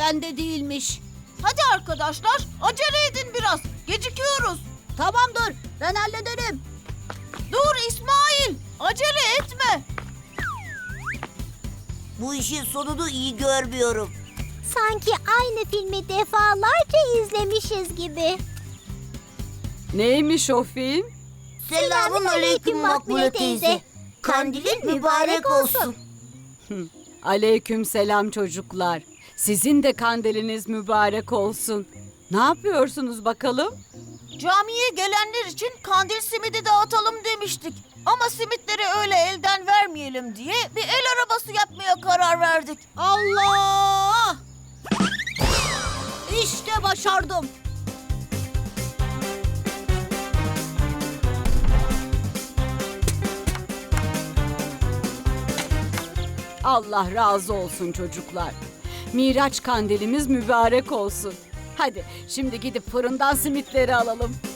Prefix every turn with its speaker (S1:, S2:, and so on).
S1: bende değilmiş.
S2: Hadi arkadaşlar, acele edin biraz. Gecikiyoruz.
S1: Tamamdır, ben hallederim.
S2: Dur İsmail, acele etme.
S3: Bu işin sonunu iyi görmüyorum.
S4: Sanki aynı filmi defalarca izlemişiz gibi.
S5: Neymiş o film?
S3: Selamun aleyküm Makbule teyze. Kandilin mübarek olsun.
S5: Aleyküm selam çocuklar. Sizin de kandiliniz mübarek olsun. Ne yapıyorsunuz bakalım?
S2: Camiye gelenler için kandil simidi dağıtalım demiştik. Ama simitleri öyle elden vermeyelim diye bir el arabası yapmaya karar verdik.
S1: Allah! İşte başardım.
S5: Allah razı olsun çocuklar. Miraç kandilimiz mübarek olsun. Hadi şimdi gidip fırından simitleri alalım.